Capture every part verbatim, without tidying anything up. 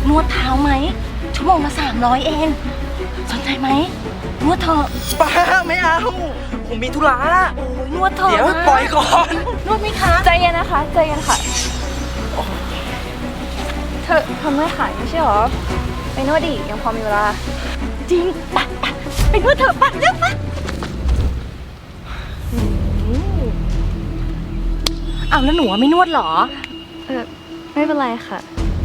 นวดเท้าไหมชั่วโมงละสามร้อยเองสนใจไหมนวดเถอะป้าไม่เอาผมมีธุระโอ้ยนวดเถอะเดี๋ยวปล่อยก่อนนวดไหมคะใจเย็นนะคะใจเย็นค่ะเธอทำไม่ขายไม่ใช่หรอไปนวดดิยังพอมีเวลาจริงไปไปไปนวดเถอะไปเร็วไปเอาแล้วหนูไม่นวดหรอเออไม่เป็นไรค่ะ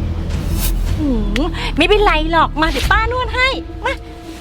ไม่เป็นไรหรอกมาเดี๋ยวป้านวดให้มา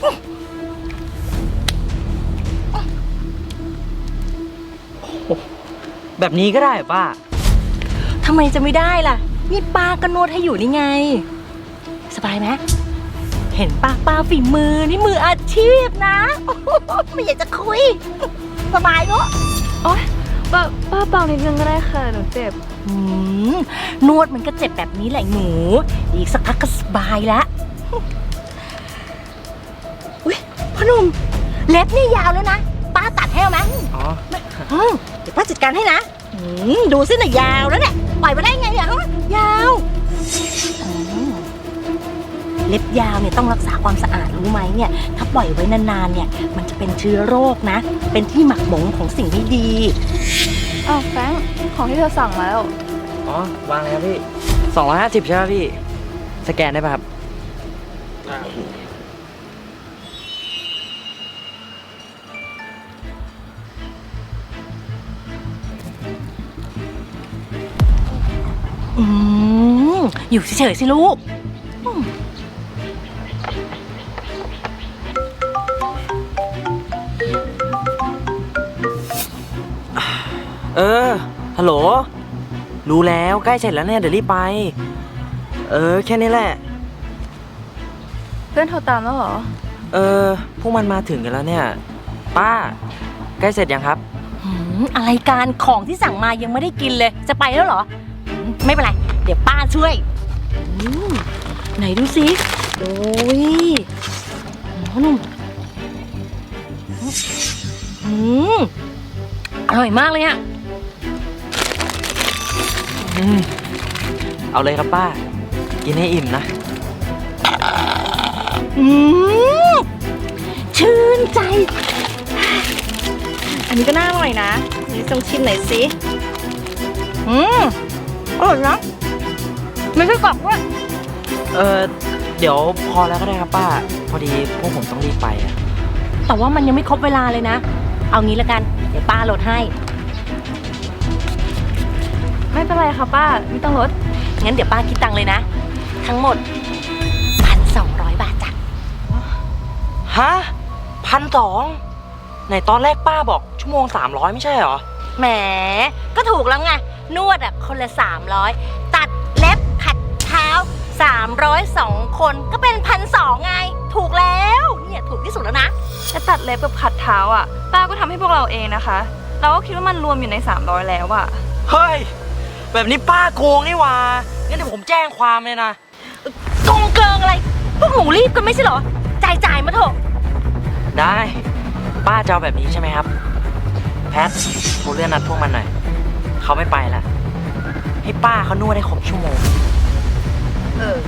แบบนี้ก็ได้ป้าทำไมจะไม่ได้ล่ะนี่ป้าก็นวดให้อยู่นี่ไงสบายไหมเห็นป้าป้าฝีมือนี่มืออาชีพนะไม่อยากจะคุยสบายเนอะโอ๊ยป้าป้าเบานิดนึงก็ได้ค่ะหนูเจ็บนวดมันก็เจ็บแบบนี้แหละหนูอีกสักพักก็สบายแล้วอุ้ยพ่อหนุ่มเล็บนี่ยาวแล้วนะป้าตัดให้ไหมอ๋อเดี๋ยวป้าจัดการให้นะดูสิหน่อยยาวแล้วเนี่ยปล่อยมาได้ไงเนี่ยยาวเล็บยาวเนี่ยต้องรักษาความสะอาดรู้ไหมเนี่ยถ้าปล่อยไว้นานๆเนี่ยมันจะเป็นเชื้อโรคนะเป็นที่หมักหมมของสิ่งไม่ดีอ้าวแฟรงค์ของที่เธอสั่งแล้วอ๋อวางแล้วพี่สองร้อยห้าสิบใช่ไหมพี่สแกนได้ป่ะครับอืมอยู่เฉยๆสิลูกเออฮัลโหลรู้แล้วใกล้เสร็จแล้วเนี่ยเดี๋ยวรีบไปเออแค่นี้แหละเพื่อนโทรตามแล้วเหรอเออพวกมันมาถึงกันแล้วเนี่ยป้าใกล้เสร็จยังครับอะไรการของที่สั่งมายังไม่ได้กินเลยจะไปแล้วเหรอไม่เป็นไรเดี๋ยวป้าช่วยไหนดูสิโอ้ยนุ่มอืมอร่อยมากเลยอ่ะอืมเอาเลยครับป้ากินให้อิ่มนะอืมชื่นใจอันนี้ก็น่าอร่อยนะนี่ต้องชิมหน่อยสิอืมอร่อยนะไม่ใช่กรอบด้วยเออเดี๋ยวพอแล้วก็ได้ครับป้าพอดีพวกผมต้องรีบไปอะแต่ว่ามันยังไม่ครบเวลาเลยนะเอางี้ละกันเดี๋ยวป้าลดให้ไม่เป็นไรค่ะป้าไม่ต้องลดงั้นเดี๋ยวป้าคิดตังค์เลยนะทั้งหมดพันสองร้อยบาทจ้ะฮะพันสองไหนตอนแรกป้าบอกชั่วโมงสามร้อยไม่ใช่เหรอแหมก็ถูกแล้วไงนวดอ่ะคนละสามร้อยตัดเล็บขัดเท้าสามร้อยสองคนก็เป็นพันสองไงถูกแล้วเนี่ยถูกที่สุดแล้วนะแต่ตัดเล็บกับขัดเท้าอ่ะป้าก็ทำให้พวกเราเองนะคะเราก็คิดว่ามันรวมอยู่ในสามร้อยแล้วอ่ะเฮ้ยแบบนี้ป้าโกงนี่หว่างั้นเดี๋ยวผมแจ้งความเลยนะโกงเกิงอะไรพวกหนูรีบกันไม่ใช่เหรอจ่ายจ่ายมาเถอะได้ป้าจะเอาแบบนี้ใช่ไหมครับแพทโทรเลื่อนนัดพวกมันหน่อยเขาไม่ไปแล้วให้ป้าเขานวดให้ครบชั่วโมงเออ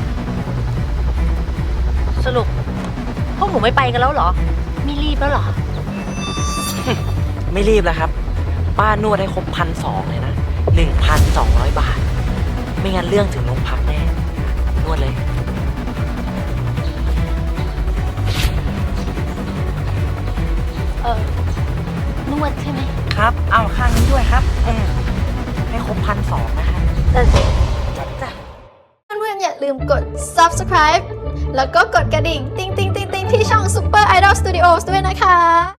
สรุปพวกหนูไม่ไปกันแล้วเหรอไม่รีบแล้วเหรอไม่รีบแล้วครับป้านวดให้ครบพันสองเลยนะหนึ่งพันสองร้อยบาทไม่งั้นเรื่องถึงโรงพักแน่นวดเลยเออนวดใช่ไหมครับเอาข้างนี้ด้วยครับอืมให้ครบพันสองนะครับเออจ้ะเพื่อนๆอย่าลืมกด ซับสไครบ์ แล้วก็กดกระดิ่งติ๊งติ๊งติ๊งติ๊งที่ช่อง Super Idol Studios ด้วยนะคะ